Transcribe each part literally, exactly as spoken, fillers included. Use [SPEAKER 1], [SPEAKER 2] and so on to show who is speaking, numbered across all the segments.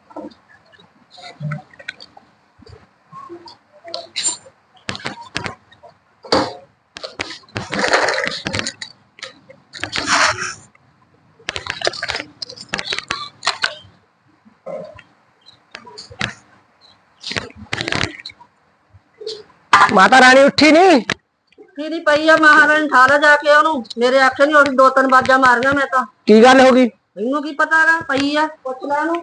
[SPEAKER 1] माता रानी उठी नहीं
[SPEAKER 2] नहीं पई है महारानी ठाला जाके ओनू मेरे आखे नहीं उठी दो तीन बाजा मारिया मैं तो
[SPEAKER 1] की गल होगी
[SPEAKER 2] मैनू की पता है पई है पुछ ला नू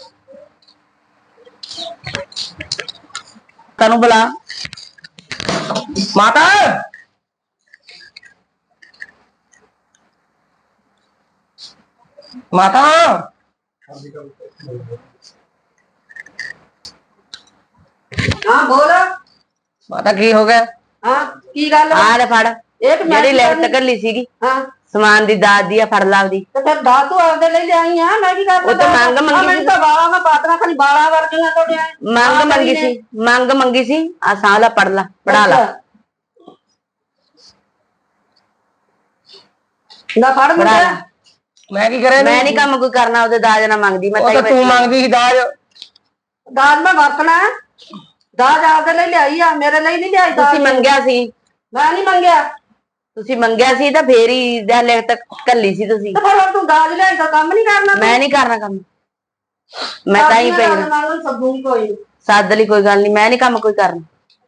[SPEAKER 1] तनु बुला माता माता
[SPEAKER 2] हाँ बोल
[SPEAKER 1] माता की हो गया
[SPEAKER 2] हाँ की गल
[SPEAKER 3] आ ले फड़
[SPEAKER 2] एक
[SPEAKER 3] मेरी लिस्ट घल्ली सीगी
[SPEAKER 2] हाँ
[SPEAKER 3] समान दी दाद दी फड़ ला दी
[SPEAKER 2] तो फिर दाल तू आपदे ले ले आई हां मैं की कर
[SPEAKER 3] वो तो मांग मंगी
[SPEAKER 2] मैं तो बाला में पातना खाली बाला वर्गियां तोड़े
[SPEAKER 3] मांग मंगी सी मांग मंगी सी आ साला पढ़ ला पढ़ा ला
[SPEAKER 2] ना फड़ मुंडा
[SPEAKER 1] मैं की करे
[SPEAKER 3] मैं नहीं काम कोई करना ओदे दाज ना मांगदी मैं
[SPEAKER 1] ओ तो तू मांगदी सी दाज
[SPEAKER 2] दाल में वरतना दाज आपदे ले ले आई आ मेरे लिए नहीं ले आई दाल
[SPEAKER 3] ਤੁਸੀਂ ਮੰਗਿਆ ਸੀ
[SPEAKER 2] मैं नहीं मंगया
[SPEAKER 3] ਤੁਸੀਂ ਮੰਗਿਆ ਸੀ ਤਾਂ ਫੇਰ ਹੀ ਦਾ ਲਿਖਤ ਕੱਲੀ ਸੀ ਤੁਸੀਂ
[SPEAKER 2] तो फिर तू दाज ले तो काम नहीं करना
[SPEAKER 3] ਮੈਂ ਨਹੀਂ ਕਰਨਾ ਕੰਮ ਮੈਂ ਤਾਂ ਹੀ ਪਈ ਨਾ
[SPEAKER 2] सब्बू कोई
[SPEAKER 3] ਸਾਦ ਲਈ ਕੋਈ ਗੱਲ ਨਹੀਂ ਮੈਂ ਨਹੀਂ ਕੰਮ ਕੋਈ ਕਰਨਾ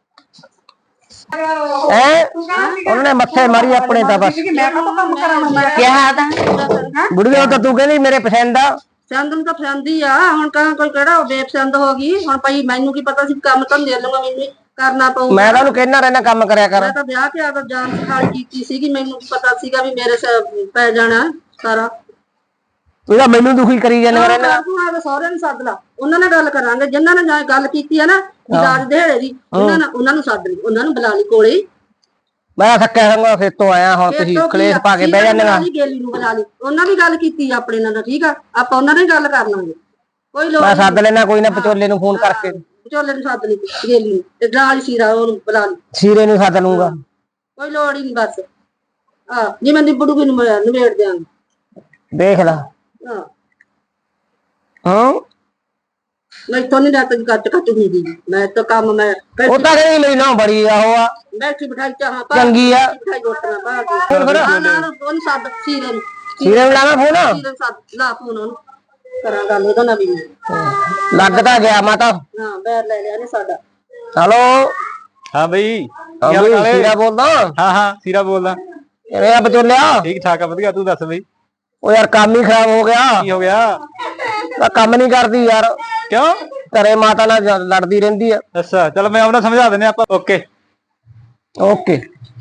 [SPEAKER 1] है उन्होंने मत्थे मारी अपने दा बस
[SPEAKER 2] मैं का काम कराना मैं
[SPEAKER 3] ਕਿਹਾ ਤਾਂ
[SPEAKER 1] बुढ़िया तो तू कहनी मेरे पसंद आ
[SPEAKER 2] ਪਸੰਦ ਨੂੰ ਤਾਂ ਪਸੰਦ ਹੀ ਆ ਹੁਣ ਕਹਾਂ ਕੋਈ ਕਿਹੜਾ ਬੇਪਸੰਦ ਹੋ ਗਈ ਹੁਣ ਭਾਈ ਮੈਨੂੰ ਕੀ ਪਤਾ ਸੀ ਕੰਮ ਤਾਂ ਦੇ ਲਵਾਂ ਮੈਨੂੰ ਕਰਨਾ ਪਊ
[SPEAKER 1] मैं तो कहना रहना काम करया कर
[SPEAKER 2] ਮੈਂ ਤਾਂ ਵਿਆਹ ਕੇ ਆਦਾ ਜਾਨ ਸਿਖਾਈ ਕੀਤੀ ਸੀਗੀ ਮੈਨੂੰ ਕੀ ਪਤਾ ਸੀਗਾ ਵੀ ਮੇਰੇ ਸਿਰ ਪੈ ਜਾਣਾ ਸਾਰਾ
[SPEAKER 1] तू तो मैनू दुखी करी जाने रहना
[SPEAKER 2] ਤੂੰ ਆਦਾ ਸਹੁਰੇ ਨੂੰ ਸੱਦ ਲਾ ਉਹਨਾਂ ਨਾਲ ਗੱਲ ਕਰਾਂਗੇ ਜਿਨ੍ਹਾਂ ਨਾਲ ਗੱਲ ਕੀਤੀ ਆ ਨਾ ਦਾਜ ਦੇੜੇ ਦੀ ਉਹਨਾਂ ਨਾਲ ਉਹਨਾਂ ਨੂੰ ਸੱਦ ਲਈ ਉਹਨਾਂ ਨੂੰ ਬੁਲਾ ਲਈ ਕੋਲੇ
[SPEAKER 1] मैं थक्या संगा खेतों आया हुन तुसी कलेश पा के बह जांदे
[SPEAKER 2] ਗੇਲੀ ਨੂੰ ਬੁਲਾ ਲਈ ਉਹਨਾਂ ਵੀ ਗੱਲ ਕੀਤੀ ਆਪਣੇ ਨਾਲ ਠੀਕ ਆ ਆਪਾਂ ਉਹਨਾਂ ਨਾਲ ਗੱਲ ਕਰ ਲਾਂਗੇ ਕੋਈ ਲੋੜ
[SPEAKER 1] मैं सद लेना कोई ना पचोले नु फोन करके
[SPEAKER 2] ਵਿਚੋਲੇ ਨੂੰ ਸੱਦ ਲਈ ਗੇਲੀ ਨੂੰ ਤੇ ਨਾਲ ਹੀ ਸੀਰਾ ਉਹਨੂੰ ਬੁਲਾ ਲਈ
[SPEAKER 1] सीरे नु सद लूंगा
[SPEAKER 2] ਕੋਈ ਲੋੜ ਹੀ ਨਹੀਂ ਬਸ ਆ ਜਿਵੇਂ ਨਿਬੜੂਗੀ ਨੂੰ ਨਿਬੇੜ ਦਿਆਂਗੇ
[SPEAKER 1] देख ला
[SPEAKER 2] ਹਾਂ
[SPEAKER 1] हां
[SPEAKER 2] ਮੈਂ ਤੋਂ ਨਹੀਂ ਰਾਤ ਕੱਟ ਕੱਟ ਹੁੰਦੀ ਦੀ ਮੈਂ ਤਾਂ ਕੰਮ ਮੈਂ
[SPEAKER 1] ਉਹ ਤਾਂ ਕਹਿੰਦੀ ਮੇਰੀ ਨਾ ਬੜੀ ਆ ਉਹ ਆ
[SPEAKER 2] ਬੈਠੀ ਬਿਠਾਈ ਚਾਹਾਂ ਪਾ
[SPEAKER 1] ਚੰਗੀ ਆ
[SPEAKER 2] ਬਿਠਾਈ ਰੋਟੀਆਂ ਪਾ ਕੇ ਹਾਂ ਨਾ ਉਹਨੂੰ ਸੱਦ ਸੀਰੇ ਨੂੰ
[SPEAKER 1] ਸੀਰੇ ਨੂੰ ਲਾਵਾਂ ਫੋਨ
[SPEAKER 2] ਸੀਰੇ ਨੂੰ ਸੱਦ ਲਾ ਫੋਨ ਉਹਨੂੰ ਕਰਾਂ ਗੱਲ ਉਹਦਾ ਨਾ ਵੀ
[SPEAKER 1] ਲੱਗਦਾ ਗਿਆ ਮਾਤਾ
[SPEAKER 2] ਹਾਂ ਬੈਰ ਲੈ ਲਿਆ ਨੇ ਸਾਡਾ
[SPEAKER 1] हेलो
[SPEAKER 4] हाँ भाई
[SPEAKER 1] हाँ भाई सीरा बोलदा
[SPEAKER 4] हाँ हाँ सीरा बोलदा
[SPEAKER 1] अरे आ बचोलिया
[SPEAKER 4] ठीक ठाक है वधिया तू दस भाई
[SPEAKER 1] ओ यार काम ही खराब हो गया
[SPEAKER 4] की हो गया
[SPEAKER 1] ਤਾਂ ਕੰਮ ਨਹੀਂ ਕਰਦੀ ਯਾਰ
[SPEAKER 4] क्यों
[SPEAKER 1] ਘਰੇ ਮਾਤਾ ਨਾਲ ਲੜਦੀ ਰਹਿੰਦੀ ਆ
[SPEAKER 4] अच्छा चलो मैं अपना समझा देने आप ओके
[SPEAKER 1] ਓਕੇ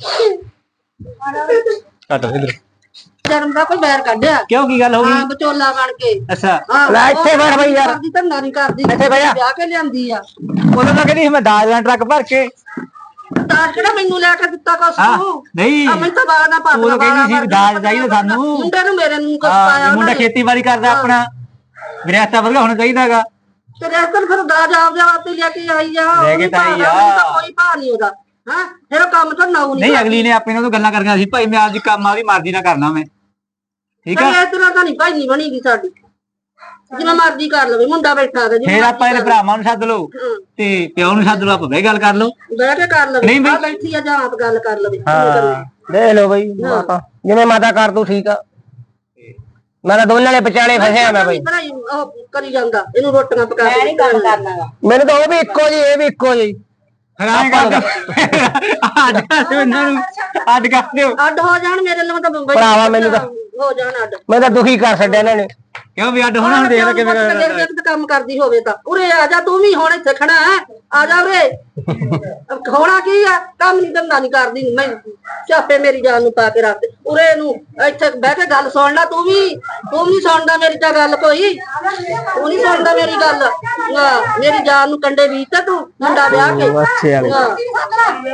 [SPEAKER 4] काट इधर
[SPEAKER 2] ਜਨਮ ਦਾ ਕੋਈ ਬੈਰ ਕੱਢਿਆ
[SPEAKER 4] क्यों की गल हो
[SPEAKER 2] ਹਾਂ
[SPEAKER 4] गई
[SPEAKER 2] ਵਿਚੋਲਾ ਬਣ ਕੇ
[SPEAKER 4] अच्छा
[SPEAKER 2] ਹਾਂ
[SPEAKER 1] ਲੈ ਇੱਥੇ ਬੈਠ ਬਈ ਯਾਰ
[SPEAKER 2] ਕਰਦੀ ਤਾਂ ਨਾਰੀ ਕਰਦੀ
[SPEAKER 1] ਇੱਥੇ ਬਹਿ ਜਾ।
[SPEAKER 2] ਵਿਆਹ ਕੇ ਲਿਆਂਦੀ ਆ
[SPEAKER 4] बोलो ना कहनी मैं दाज लेना ट्रक भर के
[SPEAKER 2] ਤਾਂ ਕਿਹੜਾ ਮੈਨੂੰ ਲੈ ਕੇ ਦਿੱਤਾ ਕੁਛ
[SPEAKER 4] हाँ
[SPEAKER 2] ਤੂੰ
[SPEAKER 4] नहीं
[SPEAKER 2] ਆ ਮੈਂ ਤਾਂ ਬਾਗਾ ਨਾ
[SPEAKER 4] ਤੂੰ
[SPEAKER 2] ਪਾਤਲਾ
[SPEAKER 4] ਤਾਂ ਕਹਿੰਦੀ ਸੀ ਦਾਜ ਚਾਹੀਦਾ ਸਾਨੂੰ
[SPEAKER 2] ਮੁੰਡੇ ਨੂੰ ਮੇਰੇ ਨੂੰ ਕੁਛ
[SPEAKER 4] ਹਾਂ
[SPEAKER 2] ਪਾਇਆ
[SPEAKER 4] ਇਹ ਮੁੰਡਾ ਖੇਤੀਬਾੜੀ ਕਰਦਾ ਆਪਣਾ ਵਿਰਾਸਤਾ ਵਧੀਆ ਹੋਣਾ ਚਾਹੀਦਾਗਾ
[SPEAKER 2] ਤੇ ਰੈਸਟਰ ਫਿਰ ਦਾਜ ਆਪ ਜਾ ਵਾਸਤੇ ਲੈ ਕੇ ਆਈ ਆ
[SPEAKER 4] ਲੈ ਕੇ ਤਾਂ ਆਈ ਆ।
[SPEAKER 2] ਉਹਨੂੰ ਤਾਂ ਕੋਈ ਭਾ ਨਹੀਂ ਉਹਦਾ ਹਾਂ ਫਿਰ ਉਹ ਕੰਮ ਤਾਂ ਨਾਉ ਨਹੀਂ
[SPEAKER 4] ਨਹੀਂ ਅਗਲੀ ਨੇ ਆਪਣੇ ਨਾਲ ਤੋਂ ਗੱਲਾਂ ਕਰਨੀਆਂ ਸੀ ਭਾਈ ਮੈਂ ਆਪਦੀ ਕੰਮ ਆਪਦੀ ਮਰਜ਼ੀ ਨਾਲ ਕਰਨਾ ਮੈਂ ਠੀਕ ਆ
[SPEAKER 2] ਇਸ ਤਰ੍ਹਾਂ ਤਾਂ ਨਹੀਂ ਭਾਈ ਨਹੀਂ ਬਣੀਗੀ ਸਾਡੀ ਜਿਵੇਂ ਮਰਜ਼ੀ ਕਰ ਲਵੇ ਮੁੰਡਾ ਬੈਠਾ ਤੇ
[SPEAKER 4] ਫੇਰ ਆਪਾਂ ਇਹਦੇ ਭਰਾਵਾਂ ਨੂੰ ਸੱਦ ਲਓ ਤੇ ਪਿਓ ਨੂੰ ਸੱਦ ਲਓ ਆਪਾਂ ਬਹਿ ਗੱਲ ਕਰ ਲਓ
[SPEAKER 2] ਬਹਿ ਕੇ ਕਰ ਲਵੇ
[SPEAKER 4] ਨਹੀਂ ਬਈ।
[SPEAKER 2] ਆ ਬੈਠੀ ਆ ਜਾਂ ਆਪ ਗੱਲ ਕਰ ਲਵੇ
[SPEAKER 4] ਹਾਂ
[SPEAKER 1] ਦੇਖ ਲਓ ਬਈ ਮਾਤਾ ਜਿਵੇਂ ਮਾਤਾ ਕਰ ਤੂੰ ਠੀਕ ਆ ਮੈਂ ਤਾਂ ਦੋਨਾਂ ਦੇ ਵਿਚਾਲੇ ਫਸਿਆ ਮੈਂ ਬਈ
[SPEAKER 2] ਭਰਾਈ ਉਹ ਕਰੀ ਜਾਂਦਾ ਇਹਨੂੰ ਰੋਟੀਆਂ ਪਕਾ ਕੇ
[SPEAKER 3] ਨਹੀਂ ਕੰਮ ਕਰਨਾਗਾ
[SPEAKER 1] ਮੈਨੂੰ ਤਾਂ ਉਹ ਵੀ ਇੱਕੋ ਜੀ ਇਹ ਵੀ ਇੱਕੋ ਜੀ
[SPEAKER 4] ਹਰਾਮ ਕਰ ਅੱਡ ਕਰ ਦਿਓ ਇਹਨਾਂ ਨੂੰ ਅੱਡ ਕਰ ਦਿਓ
[SPEAKER 2] ਅੱਡ ਹੋ ਜਾਣ ਮੇਰੇ ਲਈ ਤਾਂ ਬੰਬਈ
[SPEAKER 1] ਭਰਾਵਾ ਮੈਨੂੰ ਤਾਂ
[SPEAKER 2] ਹੋ ਜਾਣ ਅੱਡ
[SPEAKER 1] ਮੈਂ ਤਾਂ ਦੁਖੀ ਕਰ ਛੱਡਿਆ ਇਹਨਾਂ ਨੇ
[SPEAKER 4] ਕਿਉਂ ਵੀ ਅੱਡ ਹੋਣਾ ਹੁਣ ਦੇਖ ਲੈ ਕਿਵੇਂ
[SPEAKER 2] ਦੇਖ ਦੇਖ ਤੇ ਕੰਮ ਕਰਦੀ ਹੋਵੇ ਤਾਂ ਉਰੇ ਆ ਜਾ ਤੂੰ ਵੀ ਹੁਣ ਇੱਥੇ ਖੜਾ ਹੈ ਆ ਜਾ ਉਰੇ ਹੋਣਾ ਕੀ ਆ ਕੰਮ ਨਹੀਂ ਧੰਦਾ ਨਹੀਂ ਕਰਦੀ ਮੈਂ ਚਾਪੇ ਮੇਰੀ ਜਾਨ ਨੂੰ ਪਾ ਕੇ ਰੱਖ ਦੇ ਉਰੇ ਨੂੰ ਇੱਥੇ ਬਹਿ ਕੇ ਗੱਲ ਸੁਣ ਲੈ ਤੂੰ ਵੀ ਤੂੰ ਨਹੀਂ ਸੁਣਦਾ ਮੇਰੀ ਤਾਂ ਗੱਲ ਕੋਈ ਤੂੰ ਨਹੀਂ ਸੁਣਦਾ ਮੇਰੀ ਗੱਲ ਹਾਂ ਮੇਰੀ ਜਾਨ ਨੂੰ ਕੰਡੇ ਬੀਜ ਤਾ ਤੂੰ ਮੁੰਡਾ ਵਿਆਹ ਕੇ
[SPEAKER 1] ਅੱਛੇ ਵਾਲੇ
[SPEAKER 2] ਹਾਂ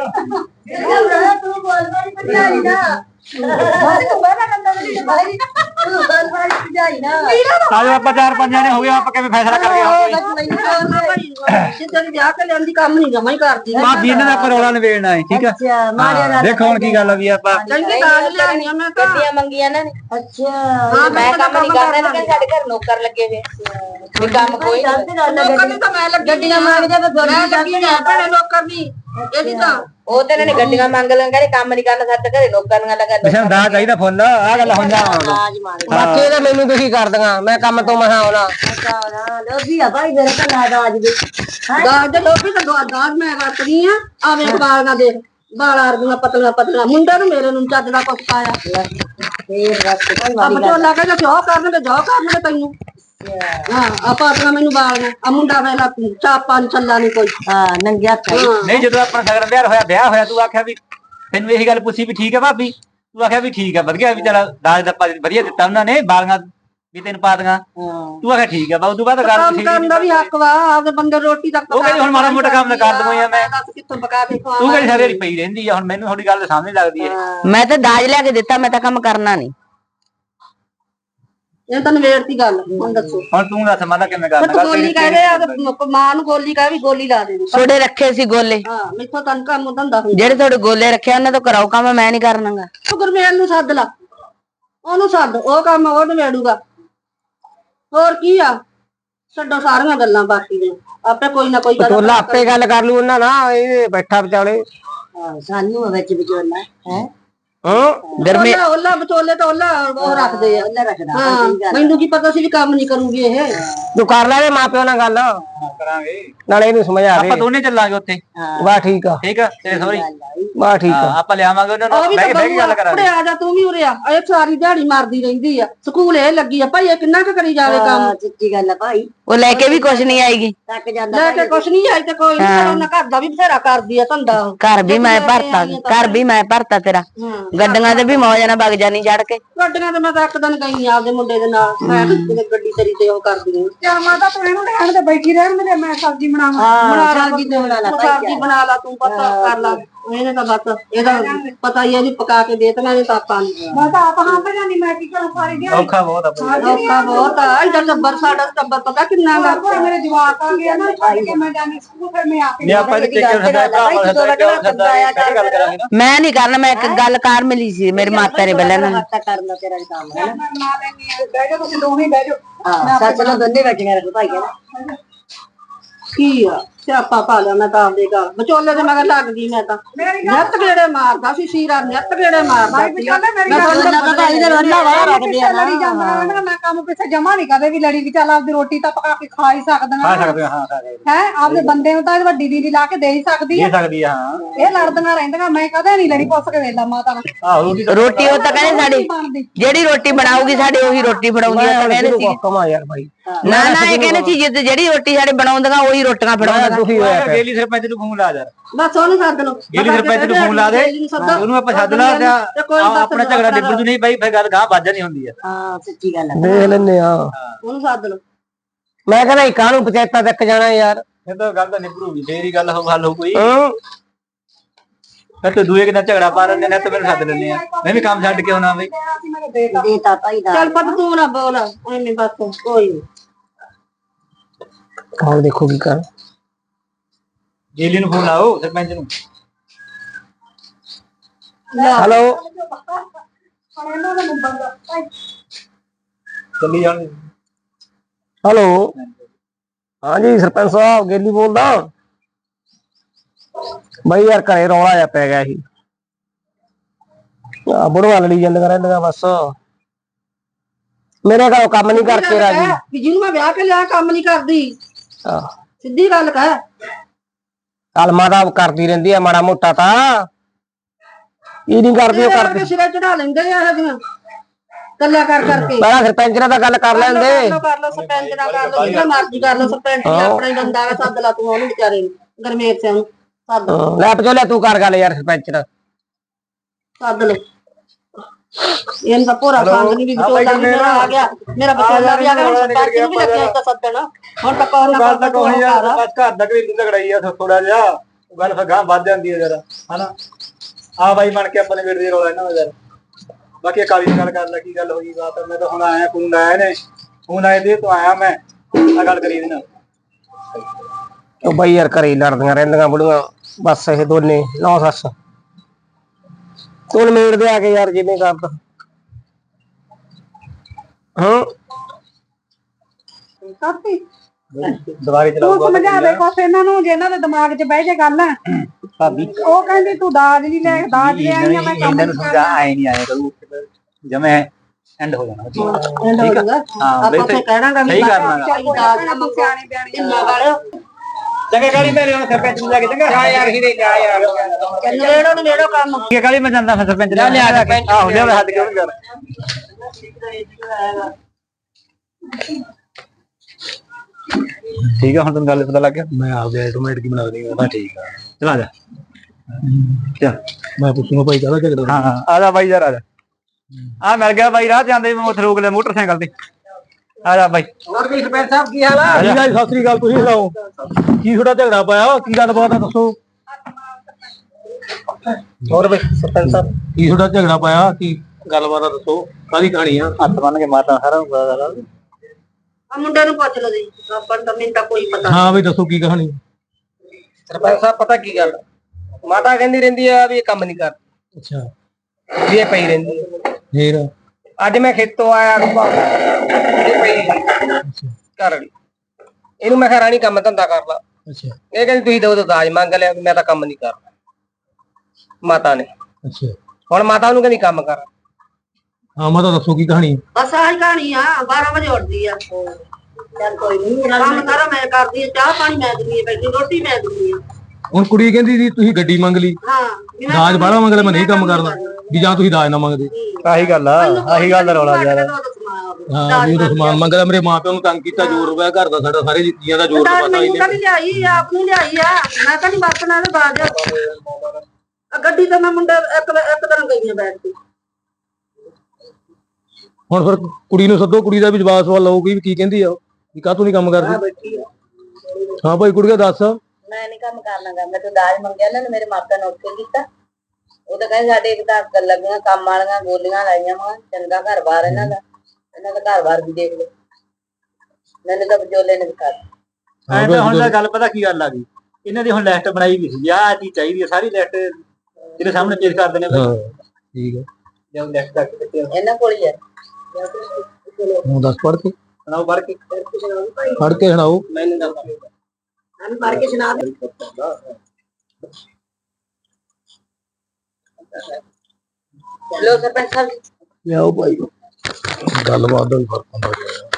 [SPEAKER 2] ਤੂੰ ਬੋਲ ਬੋਲ ਨਹੀਂ ਨਾ ਤੂੰ ਬੜਾ ਕੰਡਾ ਮੇਰੀ
[SPEAKER 4] ਆਜੋ ਆਪਾਂ ਚਾਰ ਪੰਜ ਜਣੇ ਹੋ ਗਏ ਆਪਾਂ ਕਿਵੇਂ ਫੈਸਲਾ ਕਰਕੇ ਆਉਂਗੇ
[SPEAKER 2] ਜਿੱਦਾਂ ਦੀ ਵਿਆਹ ਕੇ ਲਿਆਂਦੀ ਕੰਮ ਨਹੀਂ ਜਮਾ ਹੀ ਕਰਦੀ
[SPEAKER 4] ਭਾਬੀ ਇਹਨਾਂ ਦਾ ਪਰੋਲਾ ਨਵੇੜਨਾ ਹੈ ਠੀਕ ਹੈ ਹਾਂ, ਦੇਖੋ ਹੁਣ ਕੀ ਗੱਲ ਆ ਵੀ ਆਪਾਂ
[SPEAKER 2] ਕਹਿੰਦੀ ਦਾਜ ਲਿਆਣੀ ਆ ਮੈਂ ਤਾਂ
[SPEAKER 3] ਗੱਡੀਆਂ ਮੰਗੀਆਂ ਇਹਨਾਂ ਨੇ
[SPEAKER 2] ਅੱਛਾ
[SPEAKER 3] ਹਾਂ ਮੈਂ ਕੰਮ ਨਹੀਂ ਕਰਦਾ ਤੇ ਸਾਡੇ ਘਰ ਨੌਕਰ ਲੱਗੇ ਵੇ ਵੀ ਕੰਮ ਕੋਈ
[SPEAKER 2] ਲੋਕਾਂ ਦੀ ਤਾਂ ਮੈਂ ਲੱਗੀ ਗੱਡੀਆਂ ਮੰਗਦੇ ਮੈਂ ਲੱਗੀ ਨਹੀਂ ਆਪਣੇ ਲੋਕਾਂ ਦੀ ਇਹਦੀ ਤਾਂ
[SPEAKER 3] ਉਹ ਤੇ ਇਹਨਾਂ ਨੇ ਗੱਡੀਆਂ ਮੰਗ ਲੈਣ ਕਹਿੰਦੇ ਕੰਮ ਨਹੀਂ ਕਰਨਾ ਸਾਡੇ ਘਰੇ ਨੌਕਰੀਆਂ ਲਗਾ
[SPEAKER 4] ਬਿਸ਼ਮ ਦਾ ਚਾਹੀਦਾ ਫੁੱਲ ਆ ਗੱਲ ਹੁਣ ਜਾ
[SPEAKER 1] ਬਾਕੀ ਤਾਂ ਮੈਨੂੰ ਤੁਸੀਂ ਕਰ ਦਾਂ ਮੈਂ ਕੰਮ ਤੋਂ ਮਹਾ ਆਉਣਾ
[SPEAKER 2] ਲੋਭੀ ਆ ਭਾਈ ਮੇਰੇ ਤਾਂ ਨਾ ਦਾਜ ਦੇ ਦਾਜ ਦੇ ਲੋਭੀ ਤਾਂ ਦਾਜ ਮੈਂ ਵਰਤਦੀ ਆ ਆ ਵੇਖ ਬਾਲਾਂ ਦੇਖ ਬਾਲਾਂ ਵਰਗੀਆਂ ਪਤਲੀਆਂ ਪਤਲੀਆਂ ਮੁੰਡੇ ਨੂੰ ਮੇਰੇ ਨੂੰ ਚੱਜ ਦਾ ਕੁਛ ਪਾਇਆ ਫੇਰ ਰੱਖ ਭਾਈ ਬਚੋਲਾ ਕਹਿੰਦਾ ਜੋ ਕਰਨਗੇ ਜੋ ਕਰਨਗੇ ਤੈਨੂੰ ਹਾਂ ਆਪਾਂ ਆਪਣਾ ਮੈਨੂੰ ਬਾਲ ਆ ਮੁੰਡਾ ਵੇਲਾ ਚਾਪਾਂ ਚੱਲਾ ਨਹੀਂ ਕੋਈ
[SPEAKER 3] ਹਾਂ ਨੰਗਿਆ
[SPEAKER 4] ਨਹੀਂ ਜਦੋਂ ਆਪਣਾ ਸਗਨ ਵਿਆਹ ਹੋਇਆ ਵਿਆਹ ਹੋਇਆ ਤੂੰ ਆਖਿਆ ਵੀ ਤੈਨੂੰ ਇਹੀ ਗੱਲ ਪੁੱਛੀ ਵੀ ਠੀਕ ਹੈ ਭਾਬੀ ਤੂੰ ਆਖਿਆ ਵੀ ਠੀਕ ਹੈ ਵਧੀਆ ਵੀ ਚਲ ਦਾਜ ਦਾ ਵਧੀਆ ਦਿੱਤਾ ਉਹਨਾਂ ਨੇ ਬਾਲੀਆਂ ਵੀ ਤੈਨੂੰ ਪਾ ਦੀਆਂ ਤੂੰ ਆਖਿਆ ਠੀਕ ਹੈ ਬਾ ਉਦੋਂ ਬਾਅਦ ਗੱਲ
[SPEAKER 2] ਕੰਮ ਕਰਨ ਦਾ ਵੀ ਹੱਕ ਵਾ ਆਪਦੇ ਬੰਦੇ ਰੋਟੀ ਤੱਕ
[SPEAKER 4] ਉਹ ਕਹਿੰਦੀ ਹੁਣ ਮਾੜਾ ਮੋਟਾ ਕੰਮ ਤਾਂ ਕਰ ਦਵਾਂ ਮੈਂ
[SPEAKER 2] ਦੱਸ ਕਿੱਥੋਂ ਪਕਾ ਕੇ ਖਵਾ
[SPEAKER 4] ਤੂੰ ਕਹਿੰਦੀ ਸਾਰੇ ਪਈ ਰਹਿੰਦੀ ਆ ਹੁਣ ਮੈਨੂੰ ਥੋੜੀ ਗੱਲ ਸਮਝ ਨਹੀਂ ਲੱਗਦੀ ਹੈ
[SPEAKER 3] ਮੈਂ ਤਾਂ ਦਾਜ ਲਿਆ ਕੇ ਦਿੱਤਾ ਮੈਂ ਤਾਂ ਕੰਮ ਕਰਨਾ ਨਹੀਂ
[SPEAKER 2] ਇਹ ਤਾਂ ਨਵੇੜਤੀ ਗੱਲ ਹੁਣ ਦੱਸੋ
[SPEAKER 4] ਹੁਣ ਤੂੰ ਦੱਸ ਮਾਦਾ ਕਿਵੇਂ
[SPEAKER 2] ਤੂੰ
[SPEAKER 4] ਕਰਨਾ
[SPEAKER 2] ਗੋਲੀ ਕਹਿ ਰਿਹਾ ਮਾਂ ਨੂੰ ਗੋਲੀ ਕਹਿ ਵੀ ਗੋਲੀ ਲਾ ਦੇ
[SPEAKER 3] ਛੋੜੇ ਰੱਖੇ ਸੀ ਗੋਲੇ
[SPEAKER 2] ਹਾਂ ਮੈਥੋਂ ਤਾਂ ਕੰਮ ਧੰਦਾ ਹੁੰਦਾ
[SPEAKER 3] ਜਿਹੜੇ ਤੁਹਾਡੇ ਗੋਲੇ ਰੱਖੇ ਉਹਨਾਂ ਤੋਂ ਕਰਾਓ ਕੰਮ ਮੈਂ ਨਹੀਂ ਕਰਨਾਗਾ
[SPEAKER 2] ਤੂੰ ਗੁਰਮੇਲ ਨੂੰ ਸੱਦ ਲਾ ਉਹਨੂੰ ਸੱਦ ਉਹ ਕੰਮ ਉਹ ਨਵੇੜੂਗਾ ਹੋਰ ਕੀ ਆ ਛੱਡੋ ਸਾਰੀਆਂ ਗੱਲਾਂ ਬਾਕੀ ਦੀਆਂ ਆਪੇ ਕੋਈ ਨਾ ਕੋਈ
[SPEAKER 1] ਬਚੋਲਾ ਆਪੇ ਗੱਲ ਕਰ ਲੂ ਉਹਨਾਂ ਨਾਲ ਇਹ ਬੈਠਾ ਵਿਚਾਲੇ
[SPEAKER 2] ਸਾਨੂੰ ਵਿੱਚ ਵਿਚੋਲਾ ਹੈ
[SPEAKER 1] ਹਾਂ
[SPEAKER 2] ਗਰਮੇ ਉਹਲਾ ਵਿਚੋਲੇ ਤਾਂ ਉਹਲਾ ਉਹ ਰੱਖਦੇ ਆ ਉਹਲਾ ਰੱਖਦਾ ਹਾਂ ਮੈਨੂੰ ਕੀ ਪਤਾ ਸੀ ਵੀ ਕੰਮ ਨਹੀਂ ਕਰੂਗੀ ਇਹ
[SPEAKER 1] ਤੂੰ ਕਰ ਲੈ ਦੇ ਮਾਪਿਓ ਨਾਲ ਗੱਲ
[SPEAKER 4] ਕਰਾਂਗੇ
[SPEAKER 1] ਨਾਲੇ ਇਹਨੂੰ ਸਮਝਾ ਦੇ
[SPEAKER 4] ਆਪਾਂ ਦੋਨੇ ਚੱਲਾਂਗੇ ਉੱਥੇ
[SPEAKER 1] ਵਾਹ ਠੀਕ ਆ
[SPEAKER 4] ਠੀਕ ਆ ਤੇਰੇ ਸੋਰੀ
[SPEAKER 1] ਵਾਹ ਠੀਕ ਆ
[SPEAKER 4] ਆਪਾਂ ਲਿਆਵਾਂਗੇ ਉਹਨਾਂ ਨੂੰ ਬਹਿ ਬਹਿ ਕੇ ਗੱਲ ਕਰਾਂਗੇ
[SPEAKER 2] ਆ ਜਾ ਤੂੰ ਵੀ ਉਰੇ ਆ ਇਹ ਸਾਰੀ ਦਿਹਾੜੀ ਮਾਰਦੀ ਰਹਿੰਦੀ ਆ ਸਕੂਲ ਇਹ ਲੱਗੀ ਆ ਭਾਈ ਇਹ ਕਿੰਨਾ ਕੁ ਕਰੀ ਜਾਵੇ ਕੰਮ ਸੱਚੀ ਗੱਲ ਆ ਭਾਈ
[SPEAKER 3] ਉਹ ਲੈ ਕੇ ਵੀ ਕੁਛ ਨਹੀਂ ਆਏਗੀ
[SPEAKER 2] ਤੱਕ ਜਾਂਦਾ ਲੈ ਕੇ ਕੁਛ ਨਹੀਂ ਆਈ ਤੇ ਕੋਈ ਨਹੀਂ ਉਹਨਾਂ ਘਰ ਦਾ ਵੀ ਬਥੇਰਾ ਕਰਦੀ ਆ ਧੰਦਾ ਉਹ
[SPEAKER 3] ਘਰ ਵੀ ਮੈਂ ਭਰਤਾ ਘਰ ਵੀ ਮੈਂ ਭਰਤਾ ਤੇਰਾ ਗੱਡੀਆਂ ਤੇ ਵੀ ਮੌਜ ਨਾਲ ਵਗ ਜਾਣੀ ਚੜ ਕੇ
[SPEAKER 2] ਗੱਡੀਆਂ ਤੇ ਮੈਂ ਤਾਂ ਇੱਕ ਦਿਨ ਗਈ ਆ ਆਪਦੇ ਮੁੰਡੇ ਦੇ ਨਾਲ ਮੈਂ ਕਿਤੇ ਗੱਡੀ ਤੇਰੀ ਤੇ ਉਹ ਕਰਦੀ ਆ
[SPEAKER 5] ਚੱਲ ਮਾਤਾ ਤੂੰ ਇਹਨੂੰ ਲੈਣ ਤੇ ਬੈਠੀ ਰਹਿਣ ਮੇਰੇ ਮੈਂ ਸਬਜ਼ੀ ਬਣਾਵਾਂ
[SPEAKER 2] ਬਣਾ ਲਾ ਸਬਜ਼ੀ ਬਣਾ ਲਾ ਸਬਜ਼ੀ ਬਣਾ ਲਾ ਤੂੰ ਪਤਾ ਕਰ ਲਾ ਇਹਨੇ ਤਾਂ ਬਸ ਇਹਦਾ ਪਤਾ ਹੀ ਹੈ ਜੀ ਪਕਾ ਕੇ ਦੇ ਤਨਾ ਨੇ ਤਾਂ ਆਪਾਂ ਨੂੰ
[SPEAKER 5] ਮੈਂ ਤਾਂ ਆਪ ਹਾਂ ਤੇ ਜਾਨੀ ਮੈਂ ਕੀ ਕਰਾਂ ਸਾਰੀ ਦਿਹਾੜੀ
[SPEAKER 4] ਔਖਾ ਬਹੁਤ ਆ ਭਾਈ
[SPEAKER 2] ਔਖਾ ਬਹੁਤ ਆ ਇਧਰ ਟੱਬਰ ਸਾਡਾ ਟੱਬਰ ਪਤਾ ਕਿੰਨਾ ਗਾ
[SPEAKER 5] ਮੇਰੇ ਜਵਾਕ ਆ ਗਿਆ ਨਾ ਛੱਡ ਕੇ ਮੈਂ ਜਾਨੀ ਸਕੂਲ ਫਿਰ ਮੈਂ ਆ ਕੇ
[SPEAKER 4] ਨਹੀਂ ਆਪਾਂ ਇੱਥੇ ਕਿਹੜਾ ਸਦਾ ਭਰਾ ਵਾਲਾ ਸਦਾ ਕਿਹੜੀ ਗੱਲ ਕਰਾਂਗੇ ਨਾ
[SPEAKER 3] ਮੈਂ ਨਹੀਂ ਕਰਨਾ ਮੈਂ ਇੱਕ ਗੱਲ ਕਾਰ ਮਿਲੀ ਸੀ ਮੇਰੇ ਮਾਤਾ ਨੇ ਪਹਿਲਾਂ ਨਾ
[SPEAKER 2] ਕਰਨਾ ਤੇਰਾ ਕੰਮ ਹੈ
[SPEAKER 5] ਮੈਂ ਬਣਾ ਲੈਣੀ ਆ ਬਹਿ ਜਾ ਤੁਸੀਂ ਦੋਵੇਂ ਬਹਿ ਜਾਓ
[SPEAKER 2] ਹਾਂ ਸੱਚ ਨਾਲ ਦੋਨੇ ਬੈਠੀਆਂ ਰੱਖ ਭਾਈ ਕੀ ਆ ਸਿਆਪਾ ਪਾ ਲਿਆ ਮੈਂ ਤਾਂ ਆਪਦੇ ਘਰ ਵਿਚੋਲੇ ਦੇ ਮਗਰ ਲੱਗ ਗਈ ਮੈਂ ਤਾਂ ਨੱਤ ਗੇੜੇ ਮਾਰਦਾ ਸੀ ਸੀਰਾ ਨੱਤ ਗੇੜੇ ਮਾਰਦਾ ਸੀ ਮੈਂ ਤਾਂ ਪਤਾ ਇਹਦੇ ਰੰਨਾ ਵਾਲਾ ਰੱਖਦੇ ਆ
[SPEAKER 5] ਲੜੀ ਜਾਂਦਾ ਨਾ ਮੈਂ ਕੰਮ ਪਿੱਛੇ ਜਮਾ ਨਹੀਂ ਕਦੇ ਵੀ ਲੜੀ ਵੀ ਚੱਲ ਆਪਦੀ ਰੋਟੀ ਤਾਂ ਪਕਾ ਕੇ ਖਾ ਹੀ ਸਕਦਾ
[SPEAKER 4] ਖਾ ਸਕਦੇ ਹਾਂ ਖਾ ਸਕਦੇ
[SPEAKER 5] ਹੈ ਆਪਦੇ ਬੰਦੇ ਨੂੰ ਤਾਂ ਵੱਡੀ ਦੀਦੀ ਲਾ ਕੇ ਦੇ ਹੀ ਸਕਦੀ
[SPEAKER 4] ਦੇ ਸਕਦੀ ਆ ਹਾਂ
[SPEAKER 5] ਇਹ ਲੜਦੀਆਂ ਰਹਿੰਦੀਆਂ ਮੈਂ ਕਦੇ ਨਹੀਂ ਲੜੀ ਪੁੱਛ ਕੇ ਵੇਲਾ ਮਾਤਾ ਨਾਲ
[SPEAKER 4] ਆਹ ਰੋਟੀ ਤਾਂ
[SPEAKER 3] ਰੋਟੀ ਉਹ ਤਾਂ ਕਹਿੰਦੇ ਸਾਡੀ ਜਿਹੜੀ ਰੋਟੀ ਬਣਾਉਗੀ ਸਾਡੇ ਉਹੀ ਰੋਟੀ ਬਣਾਉਂਦੀ ਆ ਤਾਂ ਕਹਿੰਦੇ ਸੀ
[SPEAKER 1] ਕਮਾ ਯਾਰ ਭਾਈ
[SPEAKER 3] ਨਾ ਨਾ ਇਹ ਕਹਿੰਦੇ ਸੀ ਜਿੱਦ ਜਿਹੜੀ ਰੋਟੀ ਸਾਡੇ ਬਣਾਉਂਦੀਆਂ ਉਹੀ ਰੋਟੀਆਂ ਫੜਾਉਂਦੀਆਂ
[SPEAKER 1] ਤੁਸੀਂ ਹੋਇਆ ਪਿਆ।
[SPEAKER 4] ਗੇਲੀ ਸਰਪੰਚ ਨੂੰ ਫੋਨ ਲਾ ਯਾਰ
[SPEAKER 2] ਬਸ ਉਹਨੂੰ ਸੱਦ ਲਓ
[SPEAKER 4] ਗੇਲੀ ਸਰਪੰਚ ਨੂੰ ਫੋਨ ਲਾ ਦੇ ਉਹਨੂੰ ਆਪਾਂ ਸੱਦ ਲਾ ਤੇ ਆਪਣਾ ਝਗੜਾ ਨਿਬੜ ਜੂ ਨਹੀਂ ਬਾਈ ਫਿਰ ਗੱਲ ਗਾਂ ਵੱਜ ਨਹੀਂ ਹੁੰਦੀ ਆ
[SPEAKER 2] ਹਾਂ ਸੱਚੀ ਗੱਲ
[SPEAKER 1] ਦੇਖ ਲੈਨੇ ਆ
[SPEAKER 2] ਉਹਨੂੰ ਸੱਦ ਲਓ
[SPEAKER 1] ਮੈਂ ਕਹਿੰਦਾ ਇਹ ਕਾਹਨੂੰ ਪੰਚਾਇਤਾਂ ਤੱਕ ਜਾਣਾ ਯਾਰ
[SPEAKER 4] ਇਹ ਤਾਂ ਗੱਲ ਤਾਂ ਨਿਬੜੂਗੀ ਫੇਰ ਹੀ ਗੱਲ ਹੋ ਹੱਲ ਹੋ ਕੋਈ
[SPEAKER 1] ਹਾਂ
[SPEAKER 4] ਫਿਰ ਤੇ ਦੂਏ ਕਿਨਾਂ ਝਗੜਾ ਪਾ ਲੈਂਦੇ ਨੇ ਤੇ ਮੈਨੂੰ ਸੱਦ ਲੈਂਦੇ ਆ ਮੈਂ ਵੀ ਕੰਮ ਛੱਡ ਕੇ ਆਉਣਾ ਬਈ
[SPEAKER 2] ਦੇਤਾ ਭਾਈ ਦਾ ਚੱਲ ਪਤ ਤੂੰ ਨਾ ਬੋਲ ਐਵੇਂ ਬਸ ਕੋਈ ਨੀ
[SPEAKER 1] ਹੁਣ ਦੇਖੋ ਕੀ ਕਰ
[SPEAKER 4] ਗੇਲੀ ਨੂੰ ਫੋਨ ਲਾਓ ਸਰਪੰਚ ਨੂੰ
[SPEAKER 1] ਹੈਲੋ
[SPEAKER 4] ਚੱਲੀ ਜਾਣ
[SPEAKER 1] ਹੈਲੋ ਹਾਂਜੀ ਸਰਪੰਚ ਸਾਹਿਬ ਗੇਲੀ ਬੋਲਦਾ ਬਈ ਯਾਰ ਘਰੇ ਰੌਲਾ ਜਿਹਾ ਪੈ ਗਿਆ ਸੀ ਆ ਬੁੜਵਾ ਲੜੀ ਜਾਂਦੀਆਂ ਰਹਿੰਦੀਆਂ ਬਸ ਮੇਰੇ ਘਰੋਂ ਕੰਮ ਨਹੀਂ ਕਰਕੇ ਰਾਜੀ
[SPEAKER 2] ਵੀ ਜਿਹਨੂੰ ਮੈਂ ਵਿਆਹ ਕੇ ਲਿਆ ਕੰਮ ਨਹੀਂ ਕਰਦੀ
[SPEAKER 1] ਆਹ
[SPEAKER 2] ਸਿੱਧੀ ਗੱਲ ਕਹਿ
[SPEAKER 1] ਕਲਮਾ ਦਾ ਕਰਦੀ ਰਹਿੰਦੀ ਆ ਮਾੜਾ ਮੋਟਾ ਤਾਂ ਇਹ ਨਹੀਂ ਕਰਦੀ ਉਹ ਕਰਦੀ
[SPEAKER 2] ਸਿਰੇ ਚੜਾ ਲੈਂਦੇ ਆ ਇਹ ਦੀਆਂ ਕੱਲਿਆ ਕਰ ਕਰਕੇ
[SPEAKER 1] ਪਹਿਲਾਂ ਸਰਪੰਚ ਨਾਲ ਤਾਂ ਗੱਲ ਕਰ ਲੈਂਦੇ
[SPEAKER 2] ਕਰ ਲੋ ਸਰਪੰਚ ਨਾਲ ਕਰ ਲੋ ਜਿੰਨਾ ਮਰਜ਼ੀ ਕਰ ਲੋ ਸਰਪੰਚ ਨੇ ਆਪਣਾ ਹੀ ਬੰਦਾ ਹੈ ਸੱਦ ਲਾ ਤੂੰ ਉਹਨੂੰ ਵਿਚਾਰੇ ਨੂੰ ਗਰਮੇਰ ਸਿੰਘ ਨੂੰ ਸੱਦ
[SPEAKER 1] ਲੈ ਪਚੋਲੇ ਤੂੰ ਕਰ ਗੱਲ ਯਾਰ ਸਰਪੰਚ ਨਾਲ
[SPEAKER 2] ਸੱਦ ਲੋ ਇਹਨਾਂ ਦਾ ਪੂਰਾ ਸੰਗ ਨਹੀਂ ਵੀ ਵਿਚੋਲਾ ਵੀ ਮੇਰਾ ਆ ਗਿਆ ਮੇਰਾ ਵਿਚੋਲਾ ਵੀ ਆ ਗਿਆ ਸਰਪੰਚ ਨੂੰ ਵੀ ਲੱਗਿਆ ਇੱਕ ਸੱਦਣ ਹੁਣ ਤਾਂ ਕੋਈ ਨਾ
[SPEAKER 4] ਗੱਲ ਤਾਂ ਕੋਈ ਯਾਰ ਬਸ ਘਰ ਦਾ ਘਰੇਲੂ ਝਗੜਾਈ ਆ ਥੋੜਾ ਜਿਹਾ ਉਹ ਗੱਲ ਫਿਰ ਗਾਂ ਵੱਧ ਜਾਂਦੀ ਹੈ ਜਰਾ ਹਨਾ ਆ ਬਾਈ ਬਣ ਕੇ ਆਪਾਂ ਨੇ ਵੇੜ ਦੇ ਰੋਲਾ ਇਹਨਾਂ ਦਾ ਯਾਰ ਬਾਕੀ ਕਾਲੀ ਨਾਲ ਗੱਲ ਕਰ ਲੈ ਕੀ ਗੱਲ ਹੋਈ ਬਾਤ ਮੈਂ ਤਾਂ ਹੁਣ ਆਇਆ ਫੋਨ ਆਇਆ ਨੇ ਫੋਨ ਆਏ ਦੇ ਤੋਂ ਆਇਆ ਮੈਂ ਆ ਗੱਲ ਕਰੀ ਇਹਦੇ ਨਾਲ
[SPEAKER 1] ਉਹ ਬਈ ਯਾਰ ਘਰੇ ਹੀ ਲੜਦੀਆਂ ਰਹਿੰਦੀਆਂ ਬੁੜੀਆਂ ਬਸ ਇਹ ਦੋਨੇ ਨੌ ਸੱਸ ਤੂੰ ਮੇੜ ਦੇ ਆ ਕੇ ਯਾਰ ਜਿਵੇਂ ਕਰਦਾ ਹਾਂ
[SPEAKER 5] ਕਾਫੀ
[SPEAKER 4] ਦੁਬਾਰੇ
[SPEAKER 5] ਤੂੰ ਸਮਝਾ ਦੇ ਕੁਛ ਇਹਨਾਂ ਨੂੰ ਜੇ ਇਹਨਾਂ ਦੇ ਦਿਮਾਗ 'ਚ ਬਹਿ ਜੇ ਗੱਲ
[SPEAKER 4] ਭਾਬੀ
[SPEAKER 5] ਉਹ ਕਹਿੰਦੀ ਤੂੰ ਦਾਜ ਨਹੀਂ ਲੈ ਦਾਜ ਲੈ ਆਈ ਆ ਮੈਂ ਕੰਮ
[SPEAKER 4] ਇਹਨਾਂ ਨੂੰ ਸਮਝਾ ਆਏ ਨਹੀਂ ਆਏ ਕਰੂ ਜਮੇ ਐਂਡ ਹੋ ਜਾਣਾ ਠੀਕ ਆ ਹਾਂ
[SPEAKER 2] ਆਪਾਂ ਤੇ ਕਹਿਣਾਗਾ ਵੀ
[SPEAKER 4] ਸਹੀ ਕਰਨਾ
[SPEAKER 5] ਸਿਆਣੀ ਬਿਆਣੀ
[SPEAKER 2] ਇੰਨਾ ਵਾਲਿਓ
[SPEAKER 4] ਚੰਗਾ ਕਾਲੀ ਮੈਂ ਲਿਆਉਣਾ ਸਰਪੰਚ ਨੂੰ ਲੈ ਕੇ ਚੰਗਾ ਜਾ ਯਾਰ ਹੀਰੇ ਜਾ ਯਾਰ
[SPEAKER 2] ਨੇੜੋ ਨੂੰ ਨੇੜੋ ਕੰਮ
[SPEAKER 4] ਠੀਕ ਹੈ ਕਾਲੀ ਮੈਂ ਜਾਂਦਾ ਫਿਰ ਸਰਪੰਚ ਲੈ ਲਿਆ ਆਹੋ ਲਿਆ ਹੱਥ ਕਿਉਂ ਕਰ ਠੀਕ ਆ ਹੁਣ ਤੈਨੂੰ ਗੱਲ ਪਤਾ ਲੱਗ ਗਿਆ
[SPEAKER 6] ਮੈਂ ਆਪਦੇ ਆਟੋਮੈਟਿਕ ਬਣਾ ਦੇਣੀ
[SPEAKER 4] ਹਾਂ ਠੀਕ ਆ ਚਲਾ ਜਾ ਚਲ
[SPEAKER 6] ਮੈਂ ਪੁੱਛੂਗਾ ਭਾਈ ਕਾਹਦਾ ਝਗੜਾ
[SPEAKER 4] ਹਾਂ ਹਾਂ ਆ ਜਾ ਬਾਈ ਯਾਰ ਆ ਜਾ ਆ ਮਿਲ ਗਿਆ ਬਾਈ ਰਾਹ ਜਾਂਦੇ ਮੈਂ ਉੱਥੇ ਰੋਕ ਲਿਆ ਮੋਟਰਸਾਈਕਲ ਤੇ ਆ ਜਾ ਬਾਈ
[SPEAKER 1] ਹੋਰ ਵੀ ਸਰਪੰਚ ਸਾਹਿਬ ਕੀ ਹਾਲ ਆ
[SPEAKER 6] ਠੀਕ ਆ ਜੀ ਸਤਿ ਸ੍ਰੀ ਅਕਾਲ ਤੁਸੀਂ ਸੁਣਾਓ ਕੀ ਤੁਹਾਡਾ ਝਗੜਾ ਪਾਇਆ ਕੀ ਗੱਲਬਾਤ ਆ ਦੱਸੋ
[SPEAKER 1] ਹੋਰ ਬਈ ਸਰਪੰਚ ਸਾਹਿਬ
[SPEAKER 6] ਕੀ ਤੁਹਾਡਾ ਝਗੜਾ ਪਾਇਆ ਕੀ ਗੱਲਬਾਤ ਆ ਦੱਸੋ ਕਾਹਦੀ ਕਹਾਣੀ ਆ
[SPEAKER 4] ਹੱਥ ਬੰਨ ਕੇ ਮਾਤਾ ਸਾਰਾ ਨੂੰ ਪਤਾ ਲੱਗਾ
[SPEAKER 2] ਆ ਮੁੰਡੇ ਨੂੰ ਪੁੱਛ ਲਓ ਜੀ ਆਪਾਂ ਨੂੰ ਤਾਂ ਮੈਨੂੰ ਤਾਂ ਕੋਈ ਪਤਾ
[SPEAKER 6] ਹਾਂ ਬਈ ਦੱਸੋ ਕੀ ਕਹਾਣੀ
[SPEAKER 1] ਸਰਪੰਚ ਸਾਹਿਬ ਪਤਾ ਕੀ ਗੱਲ ਮਾਤਾ ਕਹਿੰਦੀ ਰਹਿੰਦੀ ਆ ਵੀ ਇਹ ਕੰਮ ਨਹੀਂ ਕਰ
[SPEAKER 6] ਅੱਛਾ
[SPEAKER 1] ਵੀ ਇਹ ਪਈ ਰਹਿੰਦੀ ਆ।
[SPEAKER 6] ਫੇਰ
[SPEAKER 1] ਅੱਜ ਮੈਂ ਖੇਤੋਂ ਆਇਆ ਰੁਪਾ ਇਹ ਪਈ ਘਰ ਵਾਲੀ ਇਹਨੂੰ ਮੈਂ ਕਿਹਾ ਰਾਣੀ ਕੰਮ ਧੰਦਾ ਕਰ ਲਾ
[SPEAKER 6] ਅੱਛਾ
[SPEAKER 1] ਇਹ ਕਹਿੰਦੀ ਤੁਸੀਂ ਦੋ ਦੋ ਦਾਜ ਮੰਗ ਲਿਆ ਮੈਂ ਤਾਂ ਕੰਮ ਨਹੀਂ ਕਰਨਾ ਮਾਤਾ ਨੇ
[SPEAKER 6] ਅੱਛਾ
[SPEAKER 1] ਹੁਣ ਮਾਤਾ ਨੂੰ ਕਹਿੰਦੀ ਕੰਮ ਕਰ
[SPEAKER 6] ਹਾਂ ਮਾਤਾ ਦੱਸੋ ਕੀ ਕਹਾਣੀ
[SPEAKER 2] ਬਸ ਆਹੀ ਕਹਾਣੀ ਆ ਬਾਰਾਂ ਵਜੇ ਉੱਠਦੀ ਆ ਚੱਲ ਕੋਈ ਨਹੀਂ ਕੰਮ ਸਾਰਾ ਮੈਂ ਕਰਦੀ ਆ ਚਾਹ ਪਾਣੀ ਮੈਂ ਦਿੰਦੀ ਆ ਬੈਠੀ ਰੋਟੀ ਮੈਂ ਦਿੰਦੀ ਆ
[SPEAKER 6] ਹੁਣ ਕੁੜੀ ਕਹਿੰਦੀ ਸੀ ਤੁਸੀਂ ਗੱਡੀ ਮੰਗ ਲਈ
[SPEAKER 2] ਹਾਂ ਵੀ ਮੈਂ
[SPEAKER 6] ਦਾਜ ਬਾਹਲਾ ਮੰਗ ਲਿਆ ਮੈਂ ਨਹੀਂ ਕੰਮ ਕਰਦਾ ਵੀ ਜਾਂ ਤੁਸੀਂ ਦਾਜ ਨਾ ਮੰਗਦੇ
[SPEAKER 4] ਆਹੀ ਗੱਲ ਆ ਆਹੀ ਗੱਲ ਦਾ ਰੌਲਾ ਯਾਰ
[SPEAKER 6] ਹਾਂ ਵੀ ਉਹ ਸਮਾਨ ਮੰਗਦਾ ਮੇਰੇ ਮਾਪਿਆਂ ਨੂੰ ਤੰਗ ਕੀਤਾ ਜ਼ੋਰ ਰੁਪਇਆ ਘਰ ਦਾ ਸਾਡਾ ਸਾਰੇ ਜੀਆਂ ਦਾ ਜ਼ੋਰ
[SPEAKER 2] ਦਾਜ
[SPEAKER 6] ਪਤਾ
[SPEAKER 2] ਮੈਨੂੰ ਤਾਂ ਨਹੀਂ ਲਿਆਈ ਆਪ ਨੂੰ ਲਿਆਈ ਆ ਮੈਂ ਤਾਂ ਨਹੀਂ ਵਰਤਣਾ ਤੇ ਬਾਜ ਆ ਗੱਡੀ ਤੇ ਮੈਂ ਮੁੰਡੇ ਇੱਕ ਇੱਕ ਦਿਨ ਗਈਆਂ ਬੈਠ ਕੇ
[SPEAKER 6] ਹੁਣ ਫਿਰ ਕੁੜੀ ਨੂੰ ਸੱਦੋ ਕੁੜੀ ਦਾ ਵੀ ਜਵਾਬ ਸਵਾਲ ਲਊਗੀ ਵੀ ਕੀ ਕਹਿੰਦੀ ਆ ਉਹ ਵੀ ਕਾਹਤੋਂ ਨਹੀਂ ਕੰਮ ਕਰਦੀ ਹਾਂ ਭਾਈ ਕੁੜੀਆ ਦੱਸ
[SPEAKER 3] ਮੈਂ ਨਹੀਂ ਕੰਮ ਕਰਨਾਗਾ ਮੈਂ ਤਾਂ ਦਾਜ ਮੰਗਿਆ ਨਾ ਮੇਰੇ ਮਾਪਿਆਂ ਨੇ ਉੱਥੇ ਕੀਤਾ ਉਹ ਤਾਂ ਕਹਿੰਦੇ ਸਾਡੇ ਇੱਕ ਤਾਂ ਗੱਲ ਲੱਗੀਆਂ ਕੰਮ ਵਾਲੀਆਂ ਗੋਲੀਆਂ ਲਾਈਆਂ ਵਾ ਚੰਗਾ ਘਰ ਬਾਰ ਇਹਨਾਂ ਦਾ ਇਹਨਾਂ ਦਾ ਘਰ ਬਾਰ ਵੀ ਦੇਖ ਲਓ ਮੈਨੂੰ ਤਾਂ ਵਿਚੋਲੇ ਨੇ ਦਿਖਾ
[SPEAKER 4] ਐਂ ਤਾਂ ਹੁਣ ਤਾਂ ਗੱਲ ਪਤਾ ਕੀ ਗੱਲ ਆ ਗਈ ਇਹਨਾਂ ਦੀ ਹੁਣ ਲਿਸਟ ਬਣਾਈ ਵੀ ਸੀ ਆਹ ਚੀਜ਼ ਚਾਹੀਦੀ ਹੈ ਸਾਰੀ ਲਿਸਟ ਤੇਰੇ ਸਾਹਮਣੇ ਪੇਸ਼ ਕਰ ਦਿੰਦੇ
[SPEAKER 6] ਹਾਂ ਠੀਕ ਹੈ
[SPEAKER 4] ਜਦੋਂ ਲਿਸਟ ਤੱਕ ਦਿੱਤੀ
[SPEAKER 3] ਇਹਨਾਂ ਕੋਲ ਹੀ ਹੈ
[SPEAKER 6] ਹੁਣ ਦੱਸ ਪੜ ਕੇ
[SPEAKER 4] ਸੁਣਾਓ ਪੜ ਕੇ
[SPEAKER 6] ਪੜ ਕੇ ਸੁਣਾਓ
[SPEAKER 1] ਮੈਨੂੰ ਦੱਸ
[SPEAKER 2] ਹਨ ਪੜ ਕੇ ਸੁਣਾ ਦੇ
[SPEAKER 3] ਲੋ ਸਰਪੰਚ ਸਾਹਿਬ
[SPEAKER 6] ਲਿਆਓ ਭਾਈ ਗੱਲਬਾਤ ਦਾ ਵੀ ਫਰਕ ਹੁੰਦਾ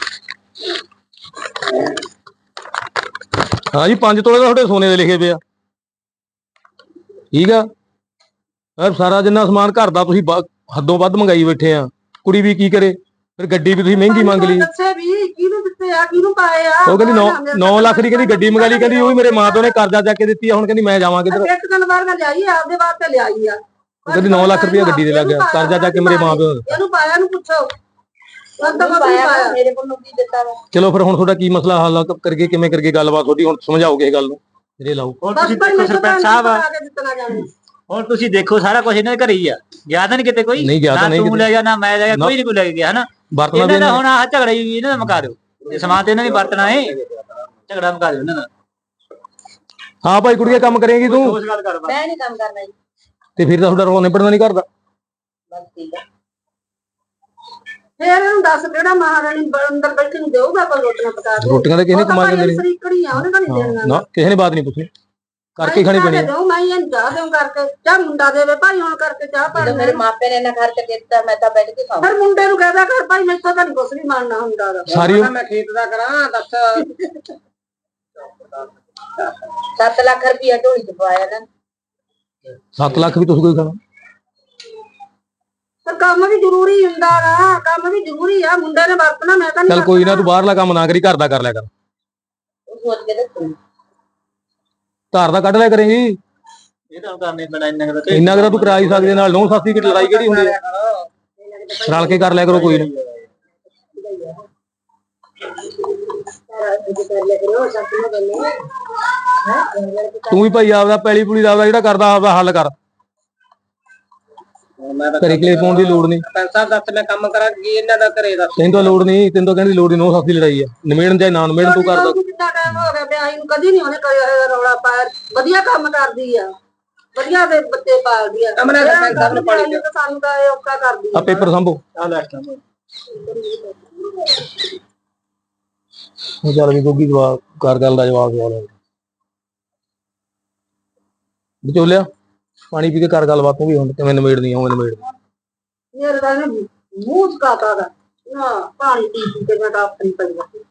[SPEAKER 6] ਹਾਂ ਜੀ ਪੰਜ ਤੋਲੇ ਦਾ ਤੁਹਾਡੇ ਸੋਨੇ ਦੇ ਲਿਖੇ ਪਿਆ ਠੀਕ ਆ ਯਾਰ ਸਾਰਾ ਜਿੰਨਾ ਸਮਾਨ ਘਰ ਦਾ ਤੁਸੀਂ ਬ- ਹੱਦੋਂ ਵੱਧ ਮੰਗਾਈ ਬੈਠੇ ਆ ਕੁੜੀ ਵੀ ਕੀ ਕਰੇ ਫਿਰ ਗੱਡੀ ਵੀ ਤੁਸੀਂ ਮਹਿੰਗੀ ਮੰਗ ਲਈ
[SPEAKER 2] ਦੱਸੇ ਵੀ ਕਿਹਨੂੰ ਦਿੱਤੇ ਆ ਕਿਹਨੂੰ ਪਾਏ ਆ
[SPEAKER 6] ਉਹ ਕਹਿੰਦੀ ਨੌ ਲੱਖ ਦੀ ਕਹਿੰਦੀ ਗੱਡੀ ਮੰਗਾ ਲਈ ਕਹਿੰਦੀ ਉਹ ਵੀ ਮੇਰੇ ਮਾਂ ਪਿਓ ਨੇ ਕਰਜ਼ਾ ਚੱਕ ਕੇ ਦਿੱਤੀ ਆ ਹੁਣ ਕਹਿੰਦੀ ਮੈਂ ਜਾਵਾਂ ਕਿੱਧਰ
[SPEAKER 2] ਇੱਕ ਦਿਨ ਬਾਅਦ ਮੈਂ ਲਿਆਈ ਆਪਦੇ ਵਾਸਤੇ ਲਿਆਈ ਆ
[SPEAKER 6] ਉਹ ਕਹਿੰਦੀ ਨੌ ਲੱਖ ਰੁਪਇਆ ਗੱਡੀ ਦੇ ਲੱਗ ਗਿਆ ਕਰਜ਼ਾ ਚੱਕ ਕੇ ਮੇਰੇ ਮਾਂ ਪਿਓ ਨੇ।
[SPEAKER 2] ਇਹਨੂੰ ਪਾਇਆ ਨੂੰ ਪੁੱਛੋ ਬੰਦਾ
[SPEAKER 3] ਨਹੀਂ ਪਾਇਆ ਵਾ, ਮੇਰੇ ਕੋਲ ਕੀ ਦਿੱਤਾ ਵਾ
[SPEAKER 6] ਚਲੋ ਫਿਰ ਹੁਣ ਤੁਹਾਡਾ ਕੀ ਮਸਲਾ ਹੱਲ ਕਰਕੇ ਕਿਵੇਂ ਕਰਕੇ ਗੱਲਬਾਤ ਤੁਹਾਡੀ ਹੁਣ ਸਮਝਾਓਗੇ ਇਹ ਗੱਲ ਨੂੰ ਜਿਹੜੇ ਲਾਓ
[SPEAKER 4] ਹੁਣ
[SPEAKER 2] ਬਸ
[SPEAKER 4] ਤੁਸੀਂ
[SPEAKER 2] ਭਾਈ
[SPEAKER 4] ਦੇਖੋ
[SPEAKER 2] ਮੈਨੂੰ
[SPEAKER 4] ਸਰਪੰਚ ਸਾਹਿਬ
[SPEAKER 2] ਪਤਾ ਕੇ ਦਿੱਤਣਾ ਜਾਣੇ
[SPEAKER 4] ਹੁਣ ਤੁਸੀਂ ਦੇਖੋ ਸਾਰਾ ਕੁਝ ਇਹਨਾਂ ਦੇ ਘਰੇ ਹੀ ਆ ਗਿਆ ਤਾਂ ਨਹੀਂ ਕਿਤੇ ਕੋਈ
[SPEAKER 6] ਨਹੀਂ ਗਿਆ ਤਾਂ
[SPEAKER 4] ਨਾ
[SPEAKER 6] ਨਹੀਂ
[SPEAKER 4] ਤੂੰ
[SPEAKER 6] ਕਿਤੇ।
[SPEAKER 4] ਲੈ ਗਿਆ ਨਾ ਮੈਂ ਲੈ ਗਿਆ ਕੋਈ ਨਹੀਂ ਕੋਈ ਲੈ ਕੇ ਗਿਆ ਹਨਾ
[SPEAKER 6] ਵਰਤਣਾ ਵੀ
[SPEAKER 4] ਇਹਨਾਂ ਦਾ
[SPEAKER 6] ਇਹਨੇ-
[SPEAKER 4] ਹੁਣ ਆਹ ਝਗੜਾ ਹੀ ਇਹਨਾਂ ਦਾ ਮੁਕਾ ਦਿਓ ਜੇ ਸਮਾਨ ਤੇ ਇਹਨਾਂ ਨੇ ਵਰਤਣਾ ਏ ਝਗੜਾ ਮੁਕਾ ਦਿਓ ਇਹਨਾਂ ਦਾ
[SPEAKER 6] ਹਾਂ ਭਾਈ ਕੁੜੀਏ ਕੰਮ ਕਰੇਂਗੀ ਤੂੰ
[SPEAKER 4] ਉਸ ਗੱਲ ਕਰ ਬਸ
[SPEAKER 3] ਮੈਂ ਨਹੀਂ ਕੰਮ ਕਰਨਾ ਜੀ
[SPEAKER 6] ਤੇ ਫਿਰ ਤਾਂ ਤੁਹਾਡਾ ਰੋਣ ਨਿਬੜਨਾ ਨਹੀਂ ਕਰਦਾ
[SPEAKER 3] ਬਸ ਠੀਕ ਹੈ
[SPEAKER 2] ਫੇਰ ਇਹਨੂੰ ਦੱਸ ਕਿਹੜਾ ਮਹਾਰਾਣੀ ਬ- ਅੰਦਰ ਬੈਠੀ ਨੂੰ ਦੇਊਗਾ ਕੋਈ ਰੋਟੀਆਂ ਪਕਾ ਕੇ
[SPEAKER 6] ਰੋਟੀਆਂ ਤਾਂ ਕਿਸੇ ਨੇ ਕਮਾ ਕੇ ਦੇਣੀ
[SPEAKER 2] ਸਰੀਕੜੀ ਆ ਉਹਨੇ ਤਾਂ ਨਹੀਂ ਦੇਣੀਆਂ
[SPEAKER 6] ਨਾ ਕਿਸੇ ਨੇ ਬਾਤ ਨਹੀਂ ਪੁੱਛਣੀ ਕਰਕੇ ਖਾਣੀ ਪੈਣੀ ਆ।
[SPEAKER 2] ਦੋ ਮੈਂ ਇਹਨੂੰ ਚਾਹ ਦੇਉਂ ਕਰਕੇ ਚਾਹ ਮੁੰਡਾ ਦੇਵੇ ਭਾਈ ਹੁਣ ਕਰਕੇ ਚਾਹ ਪਾ
[SPEAKER 3] ਜਦੋਂ ਮੇਰੇ ਮਾਪੇ ਨੇ ਇਹਨਾਂ ਖਰਚ ਕੀਤਾ ਮੈਂ ਤਾਂ ਬੈਠ ਕੇ ਖਾਵਾਂ
[SPEAKER 2] ਫਿਰ ਮੁੰਡੇ ਨੂੰ ਕਹਦਾ ਕਰ ਭਾਈ ਮੈਥੋਂ ਤਾਂ ਨਹੀਂ ਕੁਛ ਵੀ ਮੰਨਣਾ ਹੁੰਦਾ ਗਾ।
[SPEAKER 6] ਸਾਰੀ ਉਮ-
[SPEAKER 1] ਮੈਂ ਖੇਤ ਦਾ ਕਰਾਂ ਦੱਸ
[SPEAKER 3] ਸੱਤ ਲੱਖ ਰੁਪਇਆ ਢੋਲੀ ਚ ਪਾਇਆ ਨਾ
[SPEAKER 6] ਸੱਤ ਲੱਖ ਵੀ ਤੁਸੀਂ ਕੋਈ ਖਾਣਾ
[SPEAKER 2] ਪਰ ਕੰਮ ਵੀ ਜ਼ਰੂਰੀ ਹੁੰਦਾ ਗਾ ਕੰਮ ਵੀ ਜ਼ਰੂਰੀ ਆ ਮੁੰਡੇ ਨੇ ਵਰਤਣਾ ਮੈਂ ਤਾਂ ਨਹੀਂ
[SPEAKER 6] ਚੱਲ ਕੋਈ ਨਾ ਤੂੰ ਬਾਹਰਲਾ ਕੰਮ ਨਾ ਕਰੀ ਘਰ ਦਾ ਕਰ ਲਿਆ ਕਰ
[SPEAKER 3] ਉਹ ਸੋਚ ਕੇ ਦੱਸੋ
[SPEAKER 6] ਘਰ ਦਾ ਕੱਢ ਲਿਆ ਕਰੇਂਗੀ
[SPEAKER 4] ਇਹ ਤਾਂ ਕਰਨੇ ਪੈਣਾ ਇੰਨਾ ਕੁ ਤਾਂ
[SPEAKER 6] ਇੰਨਾ ਕੁ ਤਾਂ ਤੂੰ ਕਰਾ ਹੀ ਸਕਦੇ ਨਾਲ ਨੌ ਸਾਸੀ ਦੀ ਲੜਾਈ ਕਿਹੜੀ ਹੁੰਦੀ ਹੈ ਰਲ ਕੇ ਕਰ ਲਿਆ ਕਰੋ ਕੋਈ ਨਾ ਤੂੰ ਵੀ ਭਾਈ ਆਪਦਾ ਪੈਲੀ ਪੁਲੀ ਦਾ ਆਪਦਾ ਜਿਹੜਾ ਕਰਦਾ ਆਪਦਾ ਹੱਲ ਕਰ
[SPEAKER 1] ਮੈਂ ਤਾਂ
[SPEAKER 6] ਘਰੇ ਕਲੇ ਪਾਉਣ ਦੀ ਲੋੜ ਨਹੀਂ।
[SPEAKER 1] ਸਰਪੰਚ ਸਾਹਿਬ ਦੱਸ ਮੈਂ ਕੰਮ ਕਰਾਂ ਕੀ ਇਹਨਾਂ ਦਾ ਘਰੇ ਦੱਸ।
[SPEAKER 6] ਤੈਨੂੰ ਤਾਂ ਲੋੜ ਨਹੀਂ, ਤੈਨੂੰ ਤਾਂ ਕਹਿੰਦੀ ਲੋੜ ਨਹੀਂ, ਨੋ ਸੱਸ ਦੀ ਲੜਾਈ ਆ, ਨਿਮੇੜਨ ਚਾਹੇ ਨਾ ਨਿਮੇੜਨ ਤੂੰ ਕਰਦਾ।
[SPEAKER 2] ਕਿੰਨਾ ਟਾਈਮ ਹੋ ਗਿਆ ਵਿਆਹੀ ਨੂੰ, ਕਦੀ ਨਹੀਂ ਉਹਨੇ ਕਰਿਆ ਹੋਇਆ ਰੌਲਾ ਪਾਇਆ। ਵਧੀਆ ਕੰਮ ਕਰਦੀ ਆ, ਵਧੀਆ ਦੇ ਬੱਚੇ ਪਾਲਦੀ ਆ।
[SPEAKER 1] ਅਮਨਾ ਸਰਪੰਚ ਸਾਹਿਬ ਨੂੰ ਪਾਣੀ ਦਿਓ।
[SPEAKER 2] ਸਾਨੂੰ ਤਾਂ ਇਹ ਔਖਾ ਕਰਦੀ
[SPEAKER 6] ਆ ਪੇਪਰ ਸੰਭੋ।
[SPEAKER 1] ਆ ਲੈਟ
[SPEAKER 6] ਉਹ ਚੱਲ ਵੀ ਗੋਗੀ ਜਵਾਬ ਕਰ, ਗੱਲ ਦਾ ਜਵਾਬ ਸਵਾਲ ਹੈ ਵਿਚੋਲਿਆ, ਪਾਣੀ ਪੀ ਕੇ ਕਰ ਗੱਲਬਾਤ। ਤੂੰ ਵੀ ਹੁਣ ਕਿਵੇਂ ਨਿਮੇੜਨੀ, ਉਵੇਂ ਨਿਮੇੜਨੀ।
[SPEAKER 2] ਮੇਰੇ ਦਾ ਨਾ ਮੂੰਹ ਚਕਾਤਾ ਦਾ ਨਾ, ਪਾਣੀ ਪੀ ਪੀ ਕੇ ਮੈਂ ਤਾਂ ਆਪਣੀ ਪਈ ਜਾਂਦੀ।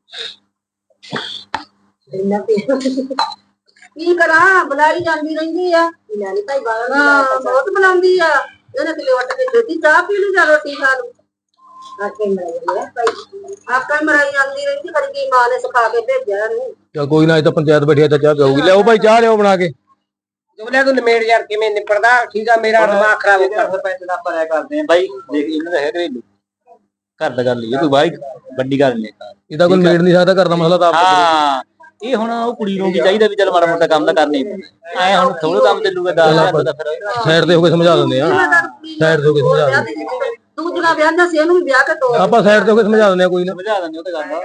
[SPEAKER 2] ਇੰਨਾ ਪੀ ਕੀ ਕਰਾਂ, ਬੁਲਾਈ ਜਾਂਦੀ ਰਹਿੰਦੀ ਆ। ਬੁਲਾਈ ਭਾਈ ਬਾਹਰ ਬਹੁਤ ਬੁਲਾਉਂਦੀ ਆ। ਇਹਨੇ ਕਿਲੇ ਵੱਟ ਕੇ ਦਿੱਤੀ, ਚਾਹ ਪੀ ਲਈ ਜਾਂ ਰੋਟੀ ਖਾ ਲੂ। ਆਕੇ ਮਰਾਈ ਆ ਭਾਈ, ਆਕਾ ਮਰਾਈ ਜਾਂਦੀ ਰਹਿੰਦੀ। ਕਦੀ ਕੀ ਮਾਂ ਨੇ ਸਿਖਾ ਕੇ ਭੇਜਿਆ ਇਹਨੂੰ।
[SPEAKER 6] ਚੱਲ ਕੋਈ ਨਾ, ਇਹ ਤਾਂ ਪੰਚਾਇਤ ਬੈਠੀ ਆ ਤਾਂ ਚਾਹ ਪਿਆਊਗੀ। ਲਿਆਓ ਭਾਈ ਚਾਹ ਲਿਆਓ ਬਣਾ ਕੇ।
[SPEAKER 1] ਜੁਗਲਿਆ ਤੂੰ ਨਿਮੇੜ ਯਾਰ, ਕਿਵੇਂ ਨਿਪੜਦਾ? ਠੀਕ ਆ, ਮੇਰਾ ਦਿਮਾਗ ਖਰਾਬ ਹੋ ਗਿਆ।
[SPEAKER 4] ਸਰਪੰਚ ਦਾ ਆਪਾਂ ਰਾਇ ਕਰਦੇ ਆਂ ਬਾਈ, ਦੇਖ ਇਹਨਾਂ ਦਾ ਹੈ ਘਰੇਲੂ ਘਰ ਦਾ ਗੱਲ ਹੀ, ਕੋਈ ਬਾਈ ਵੱਡੀ ਗੱਲ ਨਹੀਂ।
[SPEAKER 6] ਇਹਦਾ ਕੋਈ ਨਿਮੇੜ ਨਹੀਂ ਸਕਦਾ, ਘਰ ਦਾ ਮਸਲਾ ਤਾਂ ਆਪ
[SPEAKER 4] ਹਾਂ ਇਹ ਹੁਣ ਉਹ ਕੁੜੀ ਨੂੰ ਵੀ ਚਾਹੀਦਾ ਵੀ ਚੱਲ ਮਾੜਾ ਮੋਟਾ ਕੰਮ ਤਾਂ ਕਰਨਾ ਹੀ ਪੈਂਦਾ। ਐ ਹੁਣ ਥੋੜਾ ਕੰਮ ਚੱਲੂਗਾ ਦਾਲ ਦਾ ਫਿਰ
[SPEAKER 6] ਸਾਈਡ ਤੇ ਹੋ ਕੇ ਸਮਝਾ ਦਿੰਦੇ ਆ। ਸਾਈਡ ਤੇ ਹੋ ਕੇ ਸਮਝਾ ਦਿੰਦੇ
[SPEAKER 2] ਦੂਜਾ ਵਿਆਹ ਸੀ, ਇਹਨੂੰ ਵੀ ਵਿਆਹ ਕੇ ਦੋ
[SPEAKER 6] ਆਪਾਂ ਸਾਈਡ ਤੇ ਹੋ ਕੇ ਸਮਝਾ ਦਿੰਦੇ ਆ, ਕੋਈ ਨਾ
[SPEAKER 4] ਸਮਝਾ ਦਿੰਦੇ ਉਹ ਤਾਂ ਗੱਲ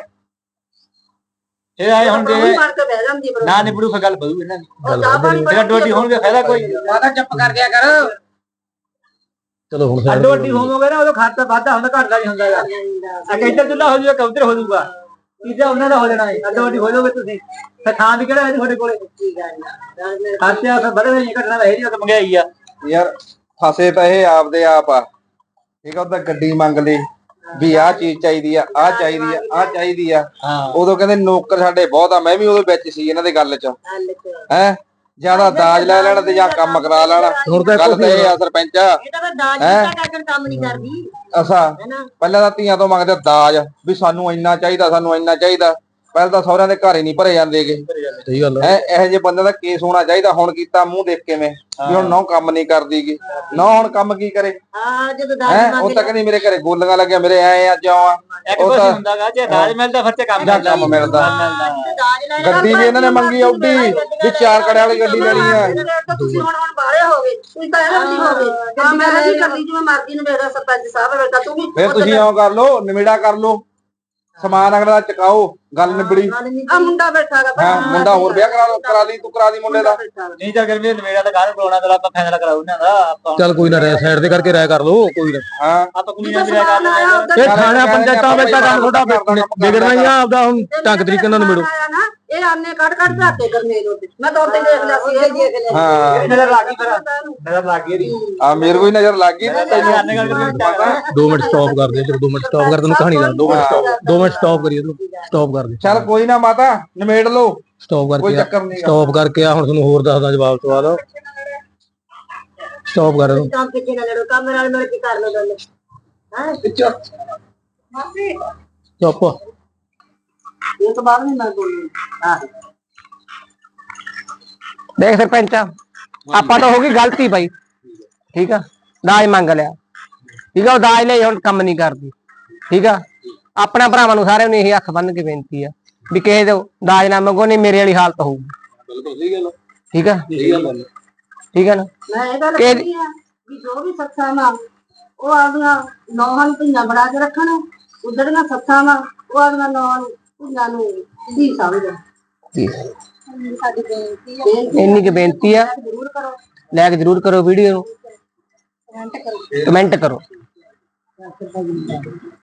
[SPEAKER 4] ਇਹ ਆਏ ਹੁਣ ਜੇ
[SPEAKER 2] ਮਾਰ ਕੇ ਬਹਿ ਜਾਂਦੀ ਬਰੋ।
[SPEAKER 4] ਨਾ ਨਿਬੜੂ ਫਿਰ ਗੱਲ ਬਦੂ ਇਹਨਾਂ ਦੀ।
[SPEAKER 2] ਉਹ ਚਾਹ ਪਾਣੀ
[SPEAKER 4] ਫਿਰ ਅੱਡੋ ਅੱਡੀ ਹੋਣਗੇ, ਫਾਇਦਾ ਕੋਈ
[SPEAKER 1] ਮਾਤਾ ਚੁੱਪ ਕਰ ਜਾ ਕਰ।
[SPEAKER 6] ਚਲੋ ਹੁਣ side
[SPEAKER 4] ਅੱਡੋ ਅੱਡੀ ਹੋਵੋਗੇ ਨਾ ਉਦੋਂ ਖਾਤਾ ਵਾਧਾ ਹੁੰਦਾ, ਘਟਦਾ ਨਹੀਂ ਹੁੰਦਾ ਯਾਰ। ਅੱਗੇ ਇੱਧਰ ਚੁੱਲਾ ਹੋ ਜਾਊਗਾ, ਕਬੂਤਰ ਹੋ ਜਾਊਗਾ, ਤੀਜਾ ਉਹਨਾਂ ਦਾ ਹੋ ਜਾਣਾ ਹੈ। ਅੱਡੋ ਅੱਡੀ ਹੋ ਜਾਓਗੇ ਤੁਸੀਂ, ਫਿਰ ਥਾਂ ਵੀ ਕਿਹੜਾ ਹੈ ਤੁਹਾਡੇ ਕੋਲੇ। ਖਾਤੇ ਫਿਰ ਬੜੇ ਨਹੀਂ ਘਟਣਾ ਹੈ ਜੀ, ਉਹ ਤਾਂ ਮੰਗਾਈ ਆ
[SPEAKER 7] ਯਾਰ। ਫਸੇ ਤਾਂ ਇਹ ਆਪਦੇ ਆਪ ਆ, ਠੀਕ ਆ। ਉਹਦਾ ਗੱਡੀ ਮੰਗ ਲਈ ਵੀ ਆਹ ਚੀਜ਼ ਚਾਹੀਦੀ ਆ, ਆਹ ਚਾਹੀਦੀ ਆ, ਆਹ ਚਾਹੀਦੀ ਆ। ਉਦੋਂ ਕਹਿੰਦੇ ਨੌਕਰ ਸਾਡੇ ਬਹੁਤ ਆ, ਮੈਂ ਵੀ ਉਹਦੇ ਵਿੱਚ ਸੀ ਇਹਨਾਂ ਦੇ ਗੱਲ 'ਚ। ਹੈ ਜਿਆਦਾ ਦਾਜ ਲੈ ਲੈਣਾ ਤੇ ਜਾਂ ਕੰਮ ਕਰਾ ਲੈਣਾ। ਗੱਲ ਤਾਂ ਇਹ ਆ ਸਰਪੰਚ,
[SPEAKER 2] ਕੰਮ ਨਹੀਂ ਕਰਦੀ।
[SPEAKER 7] ਅਸਾ ਪਹਿਲਾਂ ਤਾਂ ਧੀਆਂ ਤੋਂ ਮੰਗਦੇ ਦਾਜ ਵੀ ਸਾਨੂੰ ਇੰਨਾ ਚਾਹੀਦਾ, ਸਾਨੂੰ ਇੰਨਾ ਚਾਹੀਦਾ। ਪਹਿਲਾਂ ਤਾਂ ਸਹੁਰਿਆਂ ਦੇ ਘਰ ਹੀ ਨਹੀਂ ਭਰੇ ਜਾਂਦੇਗੇ।
[SPEAKER 6] ਸਹੀ ਗੱਲ
[SPEAKER 7] ਹੈ ਇਹੋ ਜਿਹੇ ਬੰਦੇ ਦਾ ਕੇਸ ਹੋਣਾ ਚਾਹੀਦਾ। ਹੁਣ ਕੀਤਾ ਮੂੰਹ ਦੇਖ ਕਿਵੇਂ ਵੀ ਹੁਣ ਨਹੁੰ ਕੰਮ ਨਹੀਂ ਕਰਦੀਗੀ। ਨਹੁੰ ਹੁਣ ਕੰਮ ਕੀ ਕਰੇ?
[SPEAKER 2] ਹਾਂ ਜਦੋਂ
[SPEAKER 7] ਹੈ ਉਹ ਤਾਂ ਕਹਿੰਦੀ ਮੇਰੇ ਘਰੇ ਗੋਲੀਆਂ ਲੱਗਿਆ, ਮੇਰੇ ਐ ਆ ਜਿਉਂ ਆ।
[SPEAKER 4] ਇੱਕ ਕੁਝ ਹੁੰਦਾਗਾ, ਜੇ ਦਾਜ ਮਿਲਦਾ ਫਿਰ ਤੇ ਕੰਮ
[SPEAKER 7] ਜਾਂ ਕੰਮ ਮਿਲਦਾ। ਗੱਡੀ ਵੀ ਇਹਨਾਂ ਨੇ ਮੰਗੀ ਆਉਡੀ ਵੀ ਚਾਰ ਕੜਿਆਂ ਵਾਲੀ ਗੱਡੀ ਲੈਣੀ ਆ।
[SPEAKER 2] ਤੁਸੀਂ ਹੁਣ ਹੁਣ ਬਾਹਰੇ ਹੋ ਗਏ, ਤੁਸੀਂ ਤਾਂ ਇਹਨਾਂ ਦੀ ਹੋ ਗਏ। ਹਾਂ ਮੈਂ ਨਹੀਂ ਕਰਦੀ ਜਿਵੇਂ ਮਰਜ਼ੀ ਨੂੰ ਮੇਰਾ ਸਰਪੰਚ ਸਾਹਿਬ ਬੇਟਾ ਤੂੰ ਵੀ
[SPEAKER 7] ਫਿਰ ਤੁਸੀਂ ਇਉਂ ਕਰ ਲਓ, ਨਿਮੇੜਾ ਕਰ ਲਓ, ਸਮਾਨ ਅਗਲਾ ਦਾ ਚਕਾਓ, ਗੱਲ ਨਿਬੜੀ।
[SPEAKER 2] ਆ ਮੁੰਡਾ ਬੈਠਾਗਾ
[SPEAKER 7] ਹਾਂ ਮੁੰਡਾ ਹੋਰ ਵਿਆਹ ਕਰਾ ਕਰਾ ਲਈ, ਤੂੰ ਕਰਾ ਦੀ ਮੁੰਡੇ ਦਾ।
[SPEAKER 4] ਨਹੀਂ ਚੱਲ ਕਰ ਵੀ ਨਵੇੜਾ ਤਾਂ ਕਾਹਨੂੰ ਬੁਲਾਉਣਾ, ਤਾਂ ਆਪਾਂ ਫੈਸਲਾ ਕਰਾਉ ਉਹਨਾਂ ਦਾ। ਆਪਾਂ
[SPEAKER 6] ਚੱਲ ਕੋਈ ਨਾ, ਰਹਿ ਸਾਈਡ ਤੇ ਕਰਕੇ ਰਾਇ ਕਰ ਲਓ, ਕੋਈ ਨਾ।
[SPEAKER 7] ਹਾਂ
[SPEAKER 4] ਆਪਾਂ ਕੁੜੀ ਨਾਲ ਰਾਇ ਕਰ ਲੈਂਦੇ।
[SPEAKER 6] ਇਹ ਥਾਣਾ ਪੰਚਾਇਤਾਂ ਵਿੱਚ ਤਾਂ ਕੰਮ ਤੁਹਾਡਾ ਵਿਗੜਨਾ ਹੀ ਆ ਆਪਦਾ। ਹੁਣ ਢੰਗ ਤਰੀਕੇ ਨਾਲ ਨਿਬੜੋ।
[SPEAKER 2] ਇਹ ਆਨੇ ਕੱਢ ਕੱਢ ਧਾਤੇ ਕਰਨੇ ਉਹਦੇ। ਮੈਂ ਤਾਂ ਉੱਤੇ ਦੇਖ ਲਿਆ ਸੀ, ਇਹ ਦੇਖ ਲਿਆ।
[SPEAKER 7] ਹਾਂ
[SPEAKER 4] ਨਜ਼ਰ ਲੱਗ ਗਈ, ਫਿਰ ਨਜ਼ਰ ਲੱਗ ਗਈ ਇਹਦੀ।
[SPEAKER 7] ਆ ਮੇਰੇ ਕੋਈ ਨਜ਼ਰ ਲੱਗ ਗਈ ਤੇ ਤੈਨੂੰ
[SPEAKER 4] ਆਨੇ ਗੱਲ ਕਰਕੇ
[SPEAKER 6] ਦੋ ਮਿੰਟ ਸਟਾਪ ਕਰ ਦੇ, ਚਲੋ ਦੋ ਮਿੰਟ ਸਟਾਪ ਕਰ, ਤੈਨੂੰ ਕਹਾਣੀ ਦਾ ਦੋ ਮਿੰਟ ਸਟਾਪ ਦੋ ਮਿੰਟ ਸਟਾਪ ਕਰੀਏ, ਤੈਨੂੰ ਸਟਾਪ ਕਰ ਦੇ।
[SPEAKER 7] ਚੱਲ ਕੋਈ ਨਾ ਮਾਤਾ, ਨਿਮੇੜ ਲਓ,
[SPEAKER 6] ਸਟਾਪ
[SPEAKER 7] ਕੋਈ
[SPEAKER 6] ਕਰਕੇ
[SPEAKER 7] ਚੱਕਰ ਨਹੀਂ।
[SPEAKER 6] ਸਟਾਪ ਕਰਕੇ ਆ, ਹੁਣ ਤੁਹਾਨੂੰ ਹੋਰ ਦੱਸਦਾ ਜਵਾਬ ਸਵਾਲ। ਸਟਾਪ ਕਰ ਇਹਨੂੰ।
[SPEAKER 2] ਕੰਮ ਪਿੱਛੇ ਨਾ ਲੜੋ, ਕੰਮ ਨਾਲ ਮਿਲ ਕੇ ਕਰ ਲਓ ਗੱਲ। ਹਾਂ ਮਾਸੀ
[SPEAKER 6] ਚੁੱਪ।
[SPEAKER 2] ਇਹ ਤੋਂ ਬਾਅਦ ਨਹੀਂ ਮੈਂ ਬੋਲੂੰ। ਹਾਂ
[SPEAKER 1] ਦੇਖ ਸਰਪੰਚ, ਆਪਾਂ ਤਾਂ ਹੋ ਗਈ ਗਲਤੀ ਬਾਈ, ਠੀਕ ਆ। ਦਾਜ ਮੰਗ ਲਿਆ, ਠੀਕ ਆ। ਉਹ ਦਾਜ ਲਈ ਹੁਣ ਕੰਮ ਨਹੀਂ ਕਰਦੀ, ਠੀਕ ਆ। ਆਪਣਾ ਭਰਾਵਾਂ ਨੂੰ ਸਾਰਿਆਂ ਨੂੰ ਇਹੀ ਹੱਥ ਬੰਨ ਕੇ ਬੇਨਤੀ ਆ ਵੀ ਕਿਸੇ ਤੋਂ ਦਾਜ ਨਾ ਮੰਗੋ, ਨਹੀਂ ਮੇਰੇ ਵਾਲੀ ਹਾਲਤ ਹੋਊਗੀ। ਠੀਕ ਆ, ਠੀਕ ਆ ਨਾ।
[SPEAKER 2] ਮੈਂ ਇਹ ਗੱਲ ਕਹਿੰਦੀ ਆ ਵੀ ਜੋ ਵੀ ਸੱਸਾਂ ਮਾਂ ਉਹ ਆਪਦੀਆਂ ਨੌਹਾਂ ਨੂੰ ਧੀਆਂ ਬਣਾ ਕੇ ਰੱਖਣ, ਉਧੜੀਆਂ ਸੱਸਾਂ ਮਾਂ ਉਹ ਆਪਦੀਆਂ ਨੌਹਾਂ ਨੂੰ ਧੀਆਂ ਨੂੰ ਧੀ ਸਮਝਣ। ਸਾਡੀ ਬੇਨਤੀ ਆ,
[SPEAKER 1] ਇੰਨੀ ਕੁ ਬੇਨਤੀ ਆ,
[SPEAKER 2] ਜ਼ਰੂਰ ਕਰੋ,
[SPEAKER 1] ਲਾਇਕ ਜ਼ਰੂਰ ਕਰੋ ਵੀਡੀਓ ਨੂੰ,
[SPEAKER 2] ਕਮੈਂਟ ਕਰੋ,
[SPEAKER 1] ਕਮੈਂਟ ਕਰੋ।